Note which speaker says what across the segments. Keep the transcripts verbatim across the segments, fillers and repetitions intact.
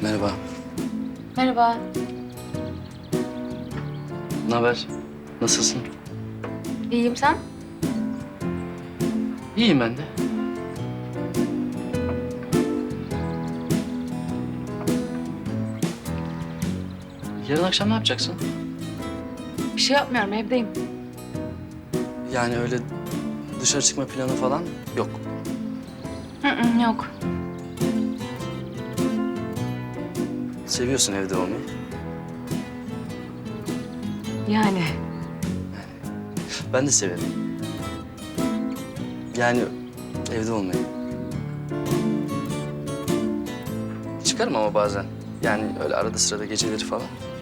Speaker 1: Merhaba.
Speaker 2: Merhaba.
Speaker 1: Ne haber? Nasılsın?
Speaker 2: İyiyim, sen?
Speaker 1: İyiyim ben de. Yarın akşam ne yapacaksın?
Speaker 2: Bir şey yapmıyorum, evdeyim.
Speaker 1: Yani öyle dışarı çıkma planı falan yok.
Speaker 2: Hı hı, yok.
Speaker 1: Seviyorsun evde olmayı.
Speaker 2: Yani
Speaker 1: Ben de severim. Yani evde olmayı. Çıkarım ama bazen. Yani öyle arada sırada geceleri falan.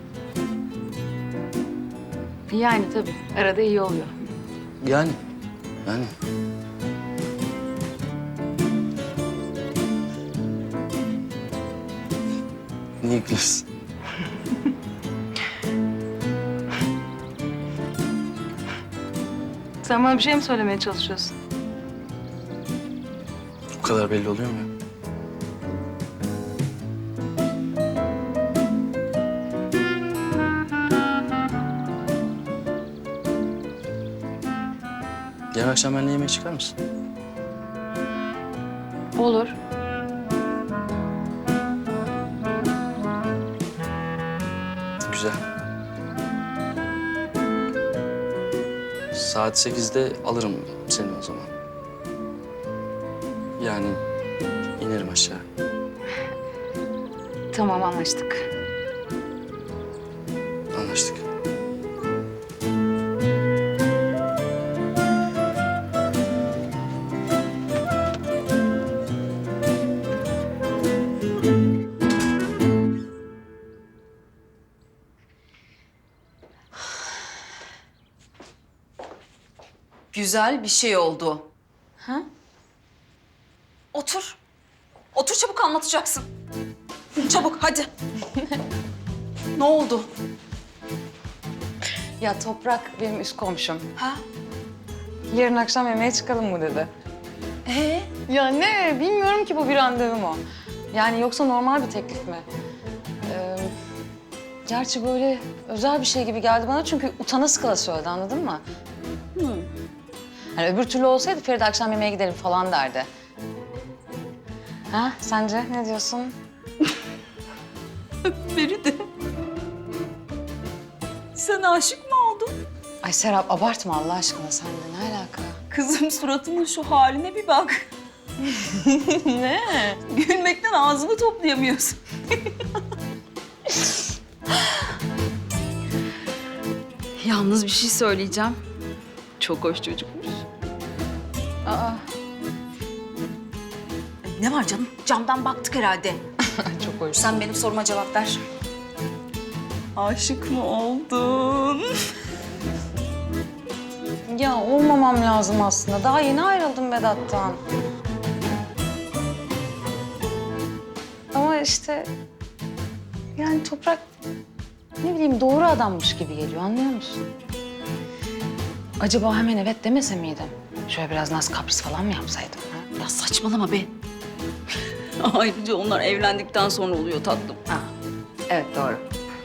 Speaker 2: yani tabii. Arada iyi oluyor.
Speaker 1: Yani. Yani. Niye gülüyorsun?
Speaker 2: Sen bana bir şey mi söylemeye çalışıyorsun?
Speaker 1: Bu kadar belli oluyor mu? Yarın akşam benimle yemeğe çıkar mısın?
Speaker 2: Olur.
Speaker 1: Güzel. Saat sekizde alırım seni o zaman. Yani inerim aşağı.
Speaker 2: Tamam, anlaştık.
Speaker 1: Anlaştık.
Speaker 3: Güzel bir şey oldu.
Speaker 2: Ha?
Speaker 3: Otur. Otur çabuk anlatacaksın. Çabuk hadi. Ne oldu?
Speaker 2: Ya Toprak benim üst komşum.
Speaker 3: Ha?
Speaker 2: Yarın akşam yemeğe çıkalım mı dedi.
Speaker 3: Ee?
Speaker 2: Ya ne? Bilmiyorum ki, bu bir randevu mu? Yani yoksa normal bir teklif mi? Ee, gerçi böyle özel bir şey gibi geldi bana, çünkü utana sıkıla söyledi, anladın mı?
Speaker 3: Hı.
Speaker 2: Hani öbür türlü olsaydı Feride akşam yemeğe gidelim falan derdi. Ha, sence ne diyorsun?
Speaker 3: Feride. Sen aşık mı oldun?
Speaker 2: Ay Serap, abartma Allah aşkına, sen de ne alaka?
Speaker 3: Kızım suratının şu haline bir bak.
Speaker 2: Ne?
Speaker 3: Gülmekten ağzını toplayamıyorsun. Yalnız bir şey söyleyeceğim. Çok hoş çocukmuş.
Speaker 2: Aa,
Speaker 3: Ne var canım? Camdan baktık herhalde.
Speaker 2: çok hoş.
Speaker 3: Sen benim soruma cevap ver. Aşık mı oldun?
Speaker 2: Ya olmamam lazım aslında. Daha yeni ayrıldım Vedat'tan. Ama işte yani Toprak ne bileyim doğru adammış gibi geliyor, anlıyor musun? Acaba hemen evet demese miydim? Şöyle biraz naz kapris falan mı yapsaydım? Ha?
Speaker 3: Ya saçmalama be. Ayrıca onlar evlendikten sonra oluyor tatlım.
Speaker 2: Ha, evet doğru.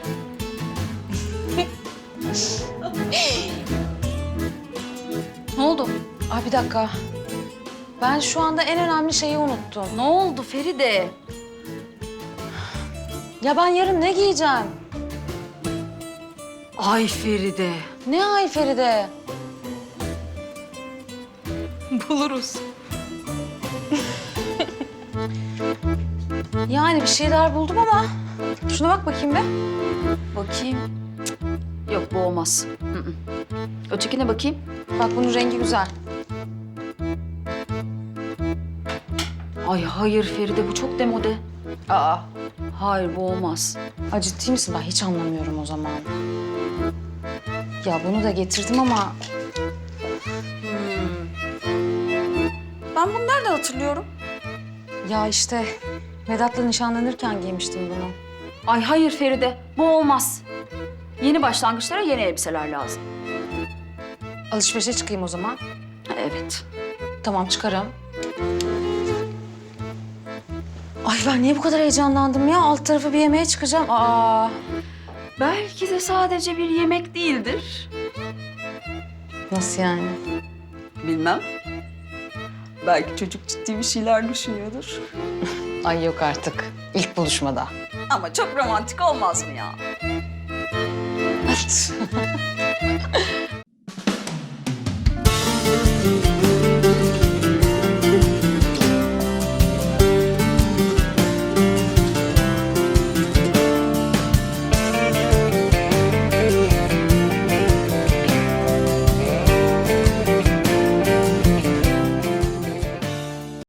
Speaker 3: Ne oldu?
Speaker 2: Ay bir dakika. Ben şu anda en önemli şeyi unuttum.
Speaker 3: Ne oldu Feride?
Speaker 2: Ya ben yarın ne giyeceğim?
Speaker 3: Ay Feride.
Speaker 2: Ne ay Feride?
Speaker 3: Buluruz.
Speaker 2: Yani bir şeyler buldum ama şuna bak bakayım be.
Speaker 3: Bakayım. Cık, yok bu olmaz. Hı hı. Ötekine bakayım.
Speaker 2: Bak bunun rengi güzel.
Speaker 3: Ay hayır Feride bu çok demode.
Speaker 2: Aa.
Speaker 3: Hayır bu olmaz.
Speaker 2: Ay ciddi misin? Ben hiç anlamıyorum o zaman. Ya bunu da getirdim ama
Speaker 3: Ben bunu nereden hatırlıyorum?
Speaker 2: ya işte Vedat'la nişanlanırken giymiştim bunu.
Speaker 3: Ay hayır Feride bu olmaz. Yeni başlangıçlara yeni elbiseler lazım.
Speaker 2: Alışverişe çıkayım o zaman.
Speaker 3: Ha, evet.
Speaker 2: Tamam, çıkarım. Ay ben niye bu kadar heyecanlandım ya? Alt tarafı bir yemeğe çıkacağım. Aa.
Speaker 3: Belki de sadece bir yemek değildir.
Speaker 2: Nasıl yani?
Speaker 3: Bilmem. Belki çocuk ciddi bir şeyler düşünüyordur.
Speaker 2: Ay yok artık. İlk buluşmada.
Speaker 3: Ama çok romantik olmaz mı ya?